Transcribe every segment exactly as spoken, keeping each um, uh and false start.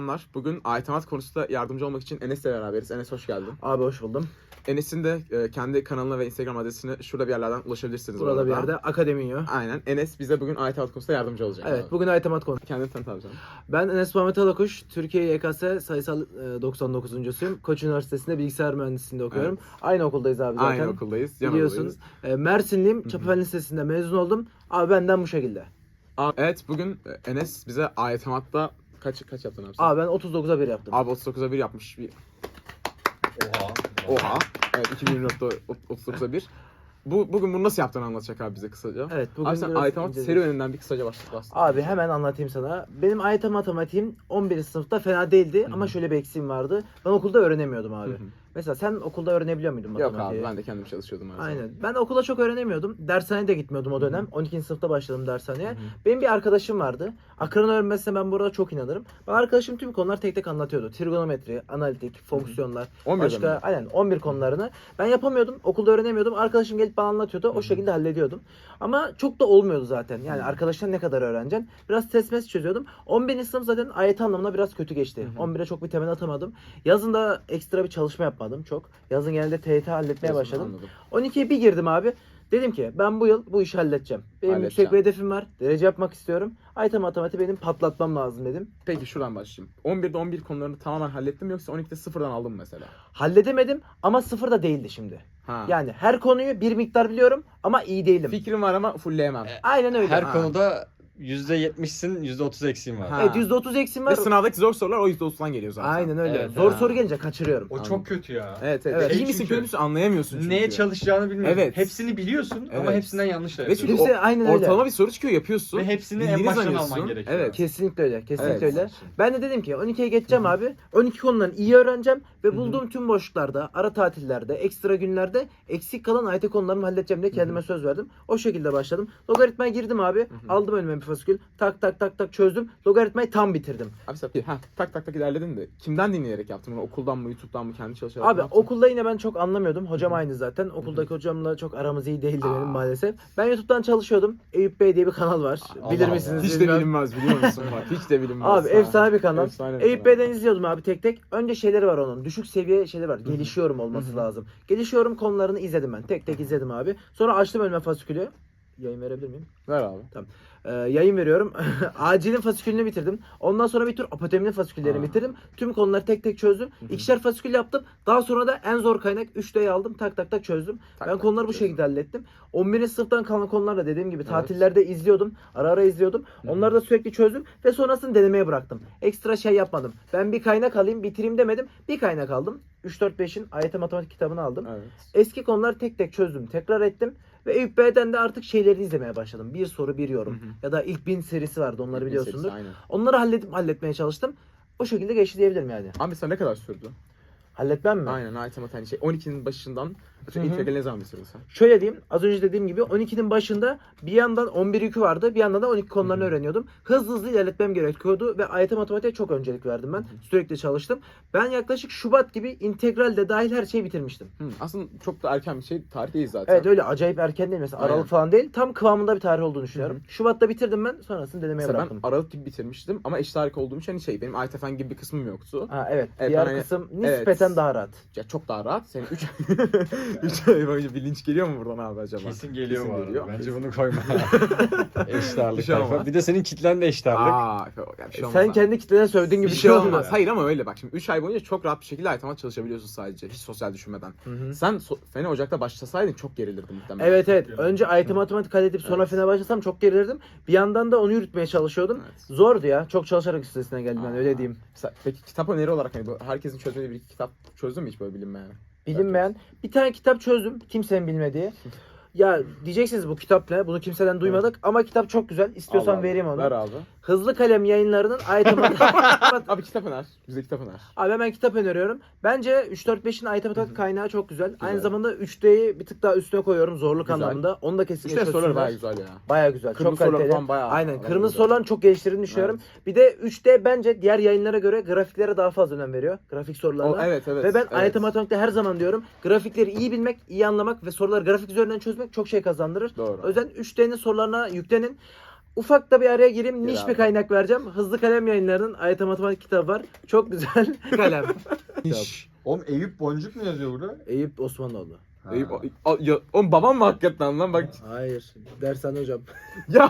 Selamlar. Bugün ayetemat konusunda yardımcı olmak için Enes'le beraberiz. Enes hoş geldin. Abi hoş buldum. Enes'in de e, kendi kanalına ve Instagram adresine şurada bir yerlerden ulaşabilirsiniz. Burada bir yerde Akademiyo. Aynen. Enes bize bugün ayetemat konusunda yardımcı olacak. Evet, abi. bugün ayetemat konu. Kendini tanıt abi canım. Ben Enes Muhammed Alakuş, Türkiye Y K S sayısal e, doksan dokuzuncusuyum. Koç Üniversitesi'nde bilgisayar mühendisliğinde okuyorum. Evet. Aynı okuldayız abi zaten. Aynı okuldayız. yan Biliyorsunuz. E, Mersinliyim. Çapafen Lisesi'nde mezun oldum. Abi benden bu şekilde. Abi, evet bugün e, Enes bize ayetematta kaç kaç yaptın abi sen? Abi ben otuz dokuza bir yaptım. Abi otuz dokuza bir yapmış. Bir... Oha. Oha. Evet iki bin yirmi dörtte otuz dokuza bir. Bu, bugün bunu nasıl yaptığını anlatacak abi bize kısaca. Evet, bugün Abi sen biraz ayetemat inceleyeceğiz. serüveninden bir kısaca başla. bahset. Abi hemen anlatayım sana. Benim ayet matematiğim on birinci sınıfta fena değildi Hı-hı. ama şöyle bir eksiğim vardı. Ben okulda öğrenemiyordum abi. Hı-hı. Mesela sen okulda öğrenebiliyor muydun Yok matematiği? abi ben de kendim çalışıyordum her zaman. Aynen. Ben okula çok öğrenemiyordum. Dershaneye de gitmiyordum o dönem. Hı on ikinci sınıfta başladım dershaneye. Hı hı. Benim bir arkadaşım vardı. Akran öğrenmesine ben burada çok inanırım. Bana arkadaşım tüm konular tek tek anlatıyordu. Trigonometri, analitik, fonksiyonlar, on birde başka mi? aynen on bir konularını. Ben yapamıyordum. Okulda öğrenemiyordum. Arkadaşım gelip bana anlatıyordu. Hı hı. O şekilde hallediyordum. Ama çok da olmuyordu zaten. Yani Hı. arkadaşlar ne kadar öğreneceksin? Biraz test mes çözüyordum. on birinci sınıf zaten ayet anlamına biraz kötü geçti. Hı hı. on bire çok bir temel atamadım. Yazın da ekstra bir çalışma yapmadım çok. Yazın genelde T Y T halletmeye Yazın, başladım. anladım. on ikiye bir girdim abi. Dedim ki ben bu yıl bu işi halledeceğim. Benim Halledeceğim. yüksek bir hedefim var. Derece yapmak istiyorum. Ayet matematiği benim patlatmam lazım dedim. Peki şuradan başlayayım. on birde on bir konularını tamamen hallettim mi yoksa on ikide sıfırdan aldım mı mesela? Halledemedim ama sıfır da değildi şimdi. Ha. Yani her konuyu bir miktar biliyorum ama iyi değilim. Fikrim var ama fullleyemem. Aynen öyle. Her Ha. konuda yüzde yetmişsin, yüzde otuz eksiğin var. Ha. Evet, yüzde otuz eksim Ve var. sınavdaki zor sorular o yüzde otuzdan geliyor zaten. Aynen öyle. Evet, Zor ha. soru gelince kaçırıyorum. O Anladım. çok kötü ya. Evet evet. Evet. İyi misin Çünkü kötü müsün anlayamıyorsun çünkü. Neye çalışacağını bilmiyorsun. Evet. Hepsini biliyorsun ama Evet. hepsinden yanlış da Ve yapıyorsun. çünkü Kimse o- aynen öyle. ortalama bir soru çıkıyor yapıyorsun. Ve hepsini en bildiğini baştan zannediyorsun. alman gerekiyor. Evet. Kesinlikle öyle. Kesinlikle Evet. öyle. Ben de dedim ki on ikiye geçeceğim abi. on iki konularını iyi öğreneceğim ve Hı hı. bulduğum tüm boşluklarda, ara tatillerde, ekstra günlerde eksik kalan A Y T konularımı halledeceğim diye kendime söz verdim. O şekilde başladım. Logaritmaya girdim abi. hı. Aldım önüme bir fasikül. Tak tak tak tak çözdüm. Logaritmayı tam bitirdim. Abi sen ha, tak tak tak ilerledin de kimden dinleyerek yaptın bunu? Okuldan mı, YouTube'dan mı, kendi çalışarak mı Abi yaptın? okulda yine ben çok anlamıyordum. Hocam aynı zaten. Okuldaki hocamla çok aramız iyi değildi benim Aa. maalesef. Ben YouTube'dan çalışıyordum. Eyüp Bey diye bir kanal var. Allah Bilir Allah. misiniz? Hiç de bilmem. bilinmez biliyor musun? Bak hiç de bilinmez. Abi Ha. efsane bir kanal. Efsane bir Eyüp kanal. Bey'den izliyordum abi tek tek. Önce şeyleri var onun. Düşük seviye şeyleri var. Gelişiyorum olması Hı hı. lazım. Gelişiyorum konularını izledim ben. Tek tek izledim abi. Sonra açtım önüme fasikülü. Yayın verebilir miyim? Ver abi. Ee, yayın veriyorum. Acilin fasikülünü bitirdim. Ondan sonra bir tür apoteminin fasiküllerini Aa. bitirdim. Tüm konuları tek tek çözdüm. Hı hı. İkişer fasikül yaptım. Daha sonra da en zor kaynak üç D'yi aldım. Tak tak tak çözdüm. Tak ben tak konuları tak bu çözdüm. şekilde hallettim. on birinci sınıftan kalan konularla dediğim gibi Evet. tatillerde izliyordum. Ara ara izliyordum. Hı hı. Onları da sürekli çözdüm ve sonrasını denemeye bıraktım. Ekstra şey yapmadım. Ben bir kaynak alayım, bitireyim demedim. Bir kaynak aldım. üç dört beşin A Y T matematik kitabını aldım. Evet. Eski konuları tek tek çözdüm. Tekrar ettim. Ve Eyüp Bey'den de artık şeyleri izlemeye başladım. Bir soru bir yorum. Hı hı. Ya da ilk bin serisi vardı, onları Bir biliyorsundur. serisi, aynen. Onları halledip halletmeye çalıştım. O şekilde geçti diyebilirim yani. Abi sen ne kadar sürdü? Halletmem mi? Aynen ayet hani şey on ikinin başından Hı hı. integral ne zaman bitirdin sen? Şöyle diyeyim, az önce dediğim gibi on ikinin başında bir yandan on bir yükü vardı, bir yandan da on iki konularını Hı hı. öğreniyordum. Hızlı hızlı ilerletmem gerekiyordu ve A Y T matematiğe çok öncelik verdim ben. Hı hı. Sürekli çalıştım. Ben yaklaşık Şubat gibi integral de dahil her şeyi bitirmiştim. Hı, aslında çok da erken bir şey tarih değil zaten. Evet öyle acayip erken değil mesela, Aynen. Aralık falan değil. Tam kıvamında bir tarih olduğunu düşünüyorum. Hı hı. Şubat'ta bitirdim ben, sonrasını denemeye Mesela ben bıraktım. Aralık gibi bitirmiştim ama eşit harika olduğum için hani şey benim ayet fen gibi bir kısmım yoktu. Ha evet, Evet, diğer ben hani- kısım evet. nispeten daha rahat. Ya çok daha rahat. Senin üç üç ay boyunca bir linç geliyor mu buradan abi acaba? Kesin geliyor Kesin bu arada. geliyor. Bence bunu koyma. eşit ağırlık Bir şey olmaz. tayfa. Bir de senin kitlen de eşit ağırlık. Aa, ya bir şey olmaz Sen abi. kendi kitlene sövdüğün gibi bir bir şey olmaz. oldu. Hayır ama öyle bak şimdi üç ay boyunca çok rahat bir şekilde ayet çalışabiliyorsun sadece hiç sosyal düşünmeden. Hı hı. Sen so- Fene Ocak'ta başlasaydın çok gerilirdin muhtemelen. Evet evet. Çok Önce A Y T matematik halledip sonra Evet. fene başlasam çok gerilirdim. Bir yandan da onu yürütmeye çalışıyordum. Evet. Zordu ya. Çok çalışarak üstesinden geldim ben Aa. öyle diyeyim. Mesela, peki kitap öneri olarak hani bu herkesin çözmediği bir iki kitap çözdün mü hiç böyle bilinmeyen? Bilinmeyen bir tane kitap çözdüm. Kimsenin bilmediği. Ya diyeceksiniz bu kitap ne? Bunu kimseden duymadık ama kitap çok güzel. İstiyorsan Allah Allah. vereyim onu. Ver abi. Hızlı Kalem Yayınları'nın A Y T matematik. Abi kitap öner. Bize kitap öner. Abi hemen kitap öneriyorum. Bence üç dört beşin A Y T matematik kaynağı çok güzel. Güzel. Aynı zamanda üç D'yi bir tık daha üstüne koyuyorum zorluk Güzel. anlamında. Onu da kesinlikle İşte soruları çözsünler. bayağı güzel ya. Baya güzel. Kırmızı çok soruları kaliteli. falan bayağı Aynen. bayağı Kırmızı güzel. soruların çok geliştirdiğini düşünüyorum. Bir de üç D bence diğer yayınlara göre grafiklere daha fazla önem veriyor. Grafik sorularına. O, evet evet. Ve ben evet. A Y T matematikte her zaman diyorum grafikleri iyi bilmek, iyi anlamak ve soruları grafik üzerinden çözmek çok şey kazandırır. Doğru. O yüzden üç D'nin sorularına yüklenin. ufak da bir araya gireyim. Gir Niş abi. bir kaynak vereceğim. Hızlı Kalem Yayınları'nın A Y T Matematik kitabı var. Çok güzel. Kalem. Hiç. Oğlum Eyüp Boncuk mu yazıyor burada? Eyüp Osmanoğlu. Eyüp, o, o, ya, oğlum babam mı hakikaten lan bak. Hayır. Dershane hocam. Ya.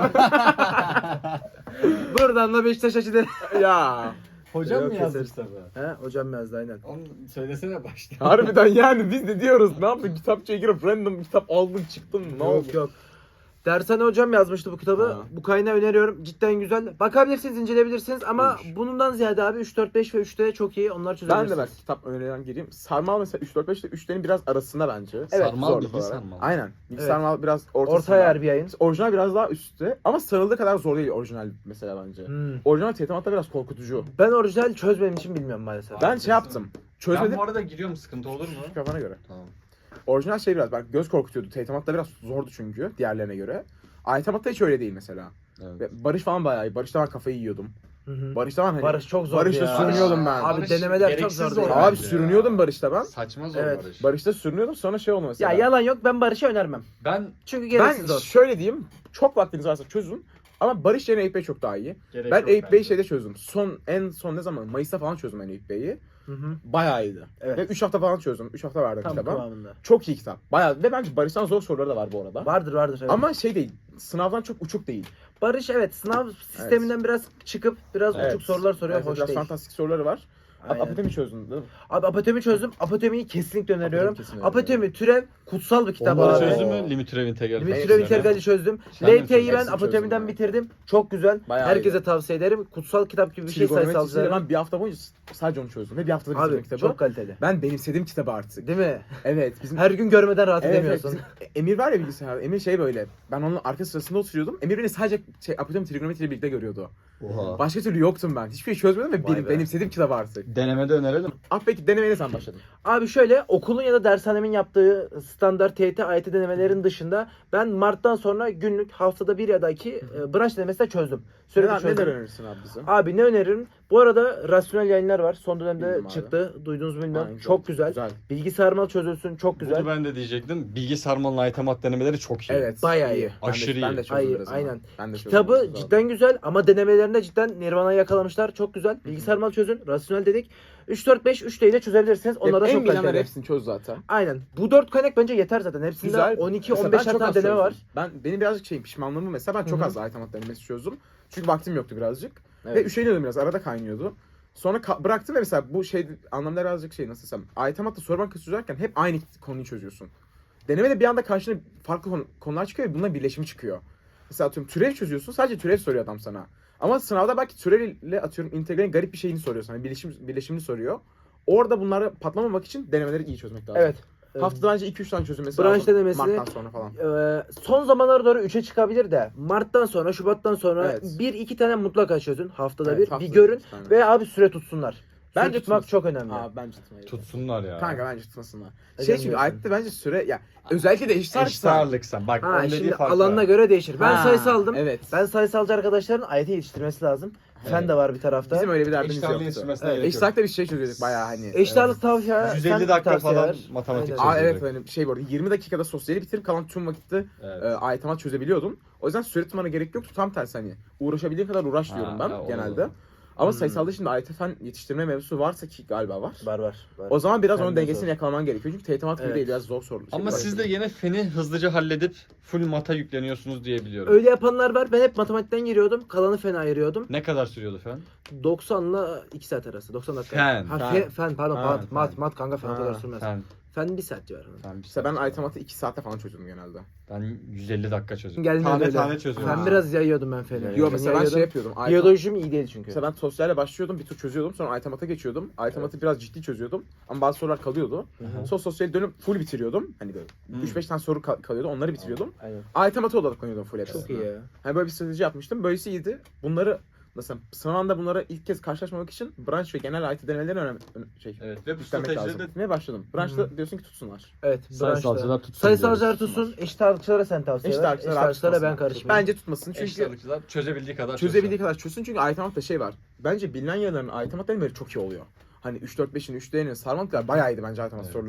Buradan da Beşiktaş açıları. ya. Hocam Yok, mı yazdı keseriz. kitabı? He hocam yazdı aynen. Onu söylesene başta. Harbiden yani biz de diyoruz ne yaptın kitapçıya girip random kitap aldın çıktın ne oldu? Yok yok. Dershane hocam yazmıştı bu kitabı. Ha. Bu kaynağı öneriyorum. Cidden güzel. Bakabilirsiniz, inceleyebilirsiniz ama İyiymiş. bundan ziyade abi üç dört beş ve üçte çok iyi. Onlar Ben çözebilirsiniz. de belki kitap önerilen gireyim. Sarmal mesela üç dört beş ile üçlerin biraz arasında bence. Evet, sarmal zorluk bilgi olarak. sarmal. Aynen. Bilgi Evet. sarmal biraz ortasında. Orta yer bir yayın. Orijinal biraz daha üstte ama sarıldığı kadar zor değil orijinal mesela bence. Hmm. Orijinal Tetematta biraz korkutucu. Ben orijinal çözmediğim için bilmiyorum maalesef. Ben şey yaptım. Ben Çözmedim. bu arada giriyorum, sıkıntı olur mu? Kafana göre. Tamam. Orijinal şey biraz bak göz korkutuyordu. Tetematta biraz zordu çünkü diğerlerine göre. Aytematta hiç öyle değil mesela. Evet. Ve Barış falan bayağı iyi. Barış'ta ben kafayı yiyordum. Hı hı. Barış'ta ben hani... Barış çok zor Barış'ta ya. sürünüyordum ben. Abi Barış denemeler çok gereksiz zor. zor ya. Abi bence sürünüyordum ya. Barış'ta ben. Saçma zor Evet. Barış. Barış'ta sürünüyordum sonra şey oldu mesela. Ya yalan yok, ben Barış'a önermem. Ben Çünkü Ben gereksiz zor. şöyle diyeyim. Çok vaktiniz varsa çözün. Ama Barış yerine Eyüp Bey çok daha iyi. gerek Ben yok Eyüp Bey'i bence. şeyde çözdüm. Son en son ne zaman? Mayıs'ta falan çözdüm ben Eyüp Bey'i. Hı hı. Bayağı iyiydi. Evet. Ve üç hafta falan çözdüm. üç hafta verdim Tam kitaba. kıvamında. Çok iyi kitap. Bayağı ve bence Barış'tan zor soruları da var bu arada. Vardır vardır. Evet. Ama şey değil. Sınavdan çok uçuk değil. Barış evet sınav sisteminden biraz çıkıp biraz Evet. uçuk sorular soruyor. Evet, hoş biraz değil. fantastik soruları var. Aynen. Apotemi çözdün değil mi? Abi apotemi çözdüm. Apotemiyi kesinlikle öneriyorum. Apotemi kesin Apotemi, öneriyorum. türev kutsal bir kitap Onları abi. çözdün mü? Limit türev integral. Limit Evet, türev evet. integrali çözdüm. Sen de mi L T Y'yi ben Hepsini apotemiden çözdüm bitirdim. Çok güzel. Bayağı Herkese iyi. tavsiye ederim. Kutsal kitap gibi bir şey Trigonometrisiyle sayısalcılara. ben bir hafta boyunca sadece onu çözdüm. Ve bir haftada bitirdim Abi kitabı. çok kaliteli. Ben benimsedim kitabı artık. Değil mi? Evet. Bizim Her gün görmeden rahat Evet, evet, edemiyorsun. bizim- Emir var ya bilgisayar. Emir şey böyle. Ben onun arka sırasında oturuyordum. Emir beni sadece şey, apotemi trigonometriyle birlikte görüyordu. Oha. Başka türlü yoktum ben. Hiçbir şey çözmedim ve Vay benim, be. benimsedim kitabı artık. Denemede önerelim. Ah peki denemeye ne zaman başladın? Abi şöyle okulun ya da dershanemin yaptığı standart T Y T, A Y T denemelerin dışında ben Mart'tan sonra günlük haftada bir ya da iki e, branş denemesi de çözdüm. Sürekli Neler, çözdüm. neler önerirsin abi bize? Abi ne öneririm? Bu arada rasyonel yayınlar var. Son dönemde Bildim abi. çıktı. Duydunuz mu bilmiyorum. Aynen, çok güzel. Güzel. Bilgi sarmal çözülsün. Çok güzel. Bunu ben de diyecektim. Bilgi sarmalın aytemat denemeleri çok iyi. Evet. Bayağı iyi. Ben de- Aşırı Ben de iyi. çözdüm Ay- biraz ama. aynen. Ben de çözdüm Kitabı biraz abi. cidden güzel ama denemelerinde cidden Nirvana'yı yakalamışlar. Çok güzel. Bilgi sarmal çözün. Rasyonel dedik. üç dört beş üç ile çözebilirsiniz. Onlar da en çok bilenler kaliteli. hepsini çöz zaten. Aynen. Bu dört kaynak bence yeter zaten. Hepsinde Güzel. on iki Mesela on ben beş çok tane az deneme çözdüm. var. Ben benim birazcık şeyim pişmanlığımı mesela ben çok Hı hı. az aytamat denemesi çözdüm. Çünkü vaktim yoktu birazcık. Ve Evet. üşeniyordum biraz arada kaynıyordu. Sonra ka- bıraktım ve mesela bu şey anlamda birazcık şey nasıl desem. Aytamatta soru bankası çözerken hep aynı konuyu çözüyorsun. Denemede bir anda karşına farklı konu- konular çıkıyor ve bunların birleşimi çıkıyor. Mesela atıyorum türev çözüyorsun sadece türev soruyor adam sana. Ama sınavda belki türevle atıyorum integralin garip bir şeyini soruyor sana. Birleşim, birleşimini soruyor. Orada bunları patlamamak için denemeleri iyi çözmek lazım. Evet. Haftada önce iki üç tane çözülmesi Branş lazım. denemesi- Mart'tan sonra falan. Ee, son zamanlara doğru üçe çıkabilir de Mart'tan sonra, Şubat'tan sonra Evet. bir iki tane mutlaka çözün. Haftada Evet, bir. haftada bir görün iki tane. ve abi süre tutsunlar. Süre Bence tutmak tutmasın. çok önemli. Aa bence tutmayı. Tutsunlar ya. Kanka bence tutmasınlar. Neden Şey çünkü diyorsun? ayette bence süre ya özellikle de eşit Eşit ağırlıksan. Bak Ha, onun dediği şimdi fark alanına var. göre değişir. Ben Ha, sayısı aldım. Evet. Ben sayısalcı arkadaşların A Y T yetiştirmesi lazım. Fen Evet. de var bir tarafta. Bizim öyle bir derdimiz Eşit ağırlığı yoktu. yetiştirmesine Evet, gerek Eşit yok. ağırlıkta bir şey çözüyorduk bayağı hani. Eşit ağırlık tavsiye. yüz elli fen dakika tavsiye falan ver. matematik Aynen. Aa çözüyorduk. evet hani şey bu arada yirmi dakikada sosyali bitirip kalan tüm vakitte Evet. e, ayetamat çözebiliyordum. O yüzden süre tutmana gerek yoktu. Tam tersi hani uğraşabildiğin kadar uğraş Ha, diyorum ben ha, o genelde. doğru. Ama Hmm. sayısalda şimdi A Y T fen yetiştirme mevzusu varsa ki galiba var. Var var. var. O zaman biraz Fen onun de dengesini zor. yakalaman gerekiyor. Çünkü teğetemat gibi Evet. değil biraz zor soru. Ama şey siz de var. yine feni hızlıca halledip full mata yükleniyorsunuz diye biliyorum. Öyle yapanlar var. Ben hep matematikten giriyordum. Kalanı fen ayırıyordum. Ne kadar sürüyordu fen? doksanla iki saat arası. doksan dakika. Fen. Ha, Fen. fe- fen pardon. Ha, mat, fen. mat, mat kanka fen o Ha, kadar sürmez. Fen, Fen. bir saat civarı. Fen bir İşte ben saat. ayetamatı iki saatte falan çözüyordum genelde. Ben yüz elli dakika çözüyorum. Gelmiyor Tane öyle. tane çözüyorum. Fen Ha. biraz yayıyordum ben feni. Yo, Yo Feni mesela ben yayıyordum. şey yapıyordum. ayet- Biyolojim iyi değil çünkü. Mesela ben sosyalle başlıyordum, bir tur çözüyordum, sonra aytemata geçiyordum. Aytematı biraz ciddi çözüyordum ama bazı sorular kalıyordu. Hı hı. Sonra sosyali dönüp full bitiriyordum. Hani böyle Hmm. üç beş tane soru kal- kalıyordu, onları bitiriyordum. Aynen. Aytemata odaklanıyordum full hepsine. Çok iyi ya. Hani böyle bir strateji yapmıştım. Böylesi iyiydi. Bunları mesela sınavda bunlara ilk kez karşılaşmamak için branş ve genel A Y T denemelerini önemli şey, Evet ve bu üstlenmek lazım. stratejide de Gitmeye başladım. Branşta diyorsun ki tutsunlar. Evet. sayısalcılar branşta. tutsun. Sayısalcılar diyoruz. tutsun. Eşit ağırlıkçılara sen tavsiye Eşit ver. ağırlıkçılar Eşit abi ağırlıkçılara ben tutmasınlar. karışmıyorum. Bence tutmasın Eşit çünkü ağırlıkçılar çözebildiği kadar çözebildiği çözsün. kadar çözsün çünkü aytematta şey var. Bence bilinen yerlerin aytemat denemeleri çok iyi oluyor. Hani üç dört beşin üç D'nin sarmalıklar bayağı iyiydi bence aytemat Evet. soruları.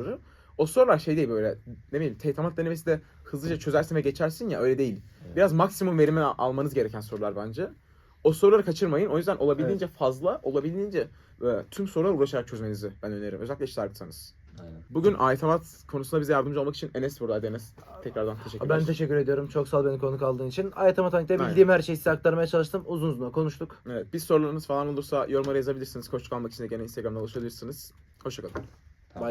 O sorular şey değil böyle ne bileyim teytamat denemesi de hızlıca çözersin ve geçersin ya öyle değil. Evet. Biraz maksimum verimi al- almanız gereken sorular bence. O soruları kaçırmayın. O yüzden olabildiğince fazla, olabildiğince e, tüm sorulara uğraşarak çözmenizi ben öneririm. Özellikle eşit ağırlıksanız. Aynen. Bugün aitamat konusunda bize yardımcı olmak için Enes buradaydı. Enes tekrardan teşekkürler. Ben teşekkür ediyorum. Çok sağ ol beni konuk aldığın için. Ayet Matematik'te Aynen. bildiğim her şeyi size aktarmaya çalıştım. Uzun uzun konuştuk. Evet, bir sorularınız falan olursa yorumlara yazabilirsiniz. Koçluk almak için de gene Instagram'da ulaşabilirsiniz. Hoşçakalın.